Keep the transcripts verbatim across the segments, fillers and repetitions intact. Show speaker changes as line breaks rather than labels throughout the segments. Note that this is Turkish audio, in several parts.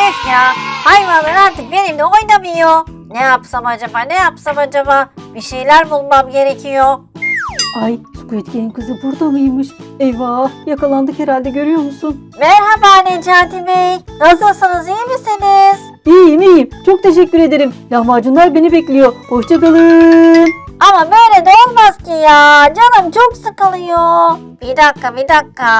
Öf ya, hayvanlar artık benimle oynamıyor. Ne yapsam acaba, ne yapsam acaba? Bir şeyler bulmam gerekiyor.
Ay, Squid Game kızı burada mıymış? Eyvah, yakalandık herhalde, görüyor musun?
Merhaba Necati Bey. Nasılsınız, iyi misiniz?
İyiyim iyiyim, çok teşekkür ederim. Lahmacunlar beni bekliyor. Hoşçakalın.
Ama böyle de olmaz ki ya. Canım çok sıkılıyor. Bir dakika, bir dakika.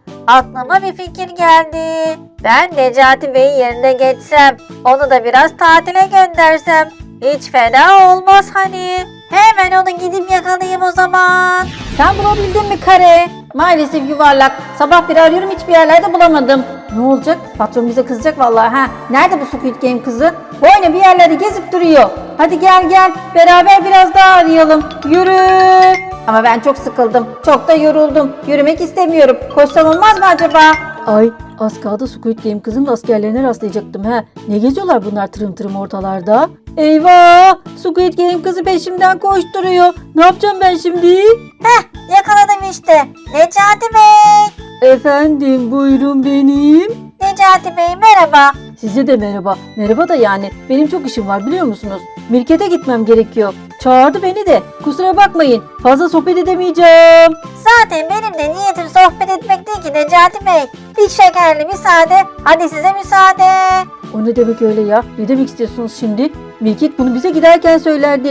Aklıma bir fikir geldi. Ben Necati Bey'in yerine geçsem, onu da biraz tatile göndersem hiç fena olmaz hani. Hemen onu gidip yakalayayım o zaman.
Sen bulabildin mi kare? Maalesef yuvarlak. Sabah beri arıyorum, hiçbir yerlerde bulamadım. Ne olacak? Patron bize kızacak vallahi ha. Nerede bu Squid Game kızı? Boyuna bir yerlerde gezip duruyor. Hadi gel gel, beraber biraz daha arayalım. Yürü. Ama ben çok sıkıldım. Çok da yoruldum. Yürümek istemiyorum. Koşsam olmaz mı acaba? Ay, az kaldı Squid Game kızın askerlerine rastlayacaktım ha. Ne geziyorlar bunlar tırım tırım ortalarda? Eyvah! Squid Game kızı peşimden koşturuyor. Ne yapacağım ben şimdi?
Heh, yakaladım işte. Necati Bey.
Efendim, buyurun benim.
Necati Bey merhaba.
Size de merhaba. Merhaba da yani benim çok işim var, biliyor musunuz? Mirket'e gitmem gerekiyor. Çağırdı beni de. Kusura bakmayın. Fazla sohbet edemeyeceğim.
Zaten benim de niyetim sohbet etmek değil ki Necati Bey. Bir şekerli müsaade. Hadi size müsaade.
O ne demek öyle ya? Ne demek istiyorsunuz şimdi? Mirket bunu bize giderken söylerdi.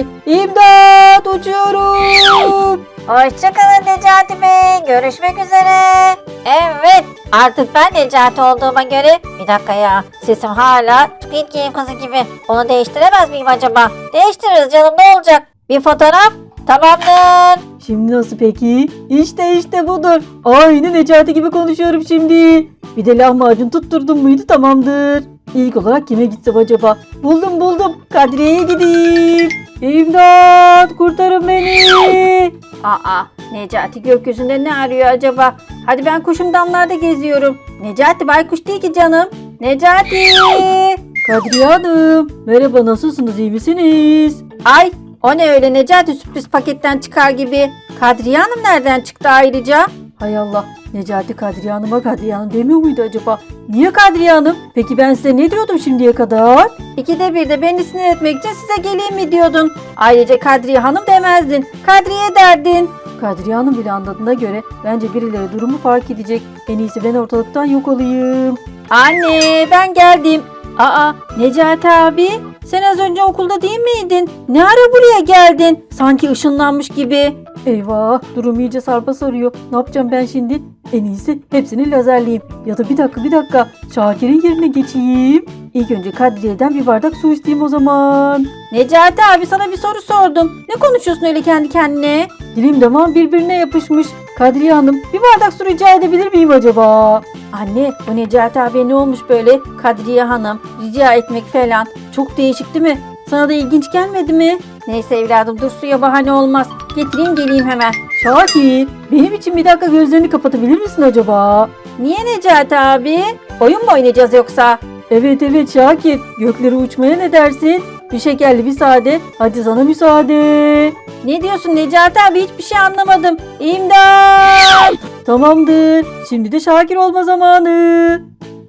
İmdat! Uçuyorum!
Hoşçakalın Necati Bey. Görüşmek üzere. Evet. Artık ben Necati olduğuma göre. Bir dakika ya. Sesim hala Squid Game kızı gibi. Onu değiştiremez miyim acaba? Değiştiririz canım, ne olacak? Bir fotoğraf. Tamamdır.
Şimdi nasıl peki? İşte işte budur. Aynı Necati gibi konuşuyorum şimdi. Bir de lahmacun tutturdum muydu tamamdır. İlk olarak kime gitsem acaba? Buldum buldum. Kadriye'ye gideyim. İmdat! Kurtarın beni. Aa, Necati gökyüzünde ne arıyor acaba? Hadi ben kuşum damlarda geziyorum. Necati baykuş değil ki canım. Necati! Kadriye Hanım. Merhaba, nasılsınız, iyi misiniz? Ay, o ne öyle Necati, sürpriz paketten çıkar gibi. Kadriye Hanım nereden çıktı ayrıca? Hay Allah, Necati Kadriye Hanım'a Kadriye Hanım demiyor muydu acaba? Niye Kadriye Hanım? Peki ben size ne diyordum şimdiye kadar? İkide bir de beni sinir etmek için size geleyim mi diyordun? Ayrıca Kadriye Hanım demezdin. Kadriye derdin. Kadriye Hanım bile anladığına göre bence birileri durumu fark edecek. En iyisi ben ortalıktan yok olayım. Anne, ben geldim. Aa, Necati abi, sen az önce okulda değil miydin? Ne ara buraya geldin? Sanki ışınlanmış gibi. Eyvah, durum iyice sarpa sarıyor. Ne yapacağım ben şimdi? En iyisi hepsini lazerleyeyim. Ya da bir dakika bir dakika, Şakir'in yerine geçeyim. İlk önce Kadriye'den bir bardak su isteyeyim o zaman. Necati abi, sana bir soru sordum. Ne konuşuyorsun öyle kendi kendine? Dilim damağım birbirine yapışmış. Kadriye Hanım, bir bardak su rica edebilir miyim acaba? Anne, o Necati abi ne olmuş böyle? Kadriye Hanım, rica etmek falan. Çok değişik değil mi? Sana da ilginç gelmedi mi? Neyse evladım, dur, suya bahane olmaz. Getireyim geleyim hemen. Şakir, benim için bir dakika gözlerini kapatabilir misin acaba? Niye Necati abi? Oyun mu oynayacağız yoksa? Evet evet Şakir, göklere uçmaya ne dersin? Bir şekerli bir sade, hadi sana müsaade. Ne diyorsun Necati abi, hiçbir şey anlamadım. İmdat! Tamamdır, şimdi de Şakir olma zamanı.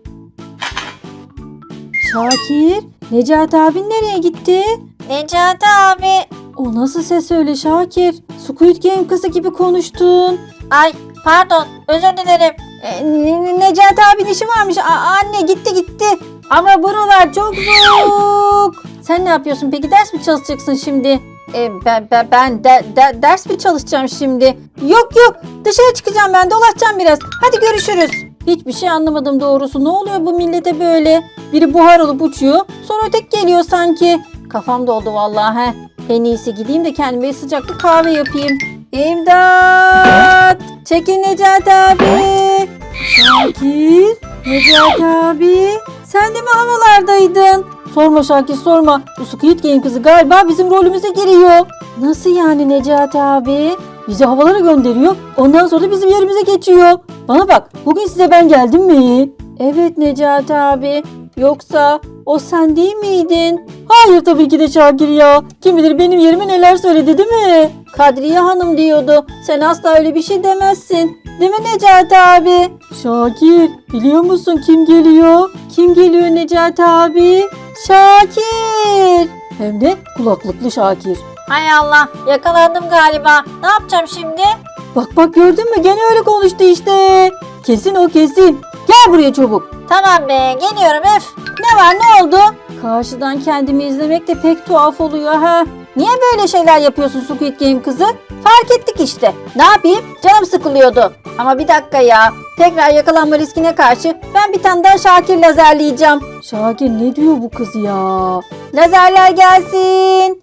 Şakir, Necati abin nereye gitti?
Necati abi.
O nasıl ses öyle Şakir? Squid Game kızı gibi konuştun.
Ay pardon, özür dilerim.
E, Ne- Necati abinin işi varmış. A- anne gitti gitti. Ama buralar çok soğuk. Sen ne yapıyorsun peki? Ders mi çalışacaksın şimdi? E, ben ben, ben de, de- ders mi çalışacağım şimdi? Yok yok. Dışarı çıkacağım ben. Dolaşacağım biraz. Hadi görüşürüz. Hiçbir şey anlamadım doğrusu. Ne oluyor bu millete böyle? Biri buhar olup uçuyor. Sonra öteki geliyor sanki. Kafam doldu vallahi. He. En iyisi gideyim de kendime sıcak bir kahve yapayım. İmdat! Çekin Necati abi. Şakir, Necati abi. Sen de mi havalardaydın? Sorma Şakir sorma. Bu Squid Game kızı galiba bizim rolümüze giriyor. Nasıl yani Necati abi? Bizi havalara gönderiyor. Ondan sonra da bizim yerimize geçiyor. Bana bak, bugün size ben geldim mi? Evet Necati abi. Yoksa o sen değil miydin? Hayır tabii ki de Şakir ya. Kim bilir benim yerime neler söyledi değil mi? Kadriye Hanım diyordu. Sen asla öyle bir şey demezsin. Değil mi Necati abi? Şakir biliyor musun kim geliyor? Kim geliyor Necati abi? Şakir. Hem de kulaklıklı Şakir.
Hay Allah, yakalandım galiba. Ne yapacağım şimdi?
Bak bak gördün mü gene öyle konuştu işte. Kesin o kesin. Gel buraya çabuk.
Tamam be, geliyorum öf.
Ne var ne oldu? Karşıdan kendimi izlemek de pek tuhaf oluyor ha. Niye böyle şeyler yapıyorsun Squid Game kızı? Fark ettik işte. Ne yapayım? Canım sıkılıyordu. Ama bir dakika ya. Tekrar yakalanma riskine karşı ben bir tane daha Şakir lazerleyeceğim. Şakir ne diyor bu kız ya? Lazerler gelsin.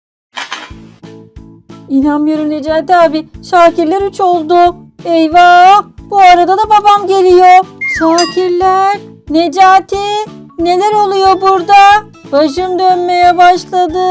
İnanmıyorum Necati abi. Şakirler üç oldu. Eyvah. Bu arada da babam geliyor. Şakirler. Necati. Neler oluyor burada? Başım dönmeye başladı.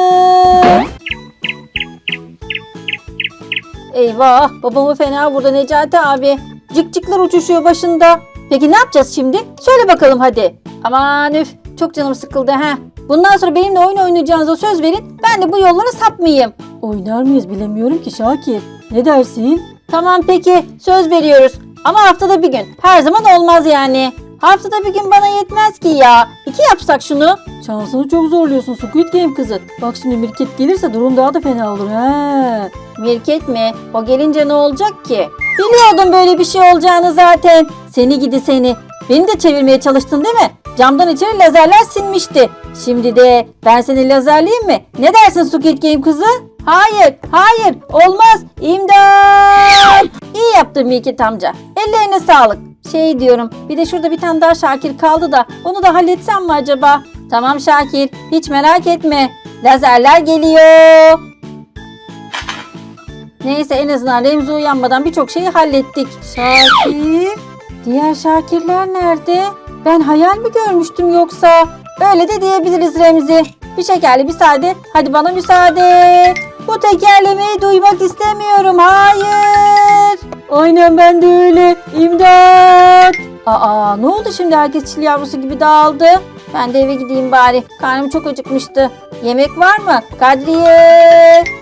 Eyvah. Babamı fena vurdu Necati abi. Cikcikler uçuşuyor başında. Peki ne yapacağız şimdi? Söyle bakalım hadi. Aman üf. Çok canım sıkıldı ha. Bundan sonra benimle oyun oynayacağınıza söz verin. Ben de bu yollara sapmayayım. Oynar mıyız bilemiyorum ki Şakir. Ne dersin? Tamam peki söz veriyoruz. Ama haftada bir gün. Her zaman olmaz yani. Haftada bir gün bana yetmez ki ya. İki yapsak şunu. Şansını çok zorluyorsun Squid Game kızı. Bak şimdi Mirket gelirse durum daha da fena olur ha. Mirket mi? O gelince ne olacak ki? Biliyordum böyle bir şey olacağını zaten. Seni gidi seni. Beni de çevirmeye çalıştın değil mi? Camdan içeri lazerler sinmişti. Şimdi de ben seni lazerleyeyim mi? Ne dersin Squid Game kızı? Hayır, hayır, olmaz. İmdat! İyi yaptın Mirket amca. Ellerine sağlık. Şey diyorum, bir de şurada bir tane daha Şakir kaldı da onu da halletsem mi acaba? Tamam Şakir, hiç merak etme. Lazerler geliyor. Neyse en azından Remzi uyanmadan birçok şeyi hallettik. Şakir, diğer Şakirler nerede? Ben hayal mi görmüştüm yoksa? Öyle de diyebiliriz Remzi. Bir şekerli bir sade. Hadi bana müsaade. Bu tekerlemeyi duymak istemiyorum. Hayır. Aynen ben de öyle. İmdat. Aa ne oldu şimdi herkes çil yavrusu gibi dağıldı. Ben de eve gideyim bari. Karnım çok acıkmıştı. Yemek var mı? Kadriye.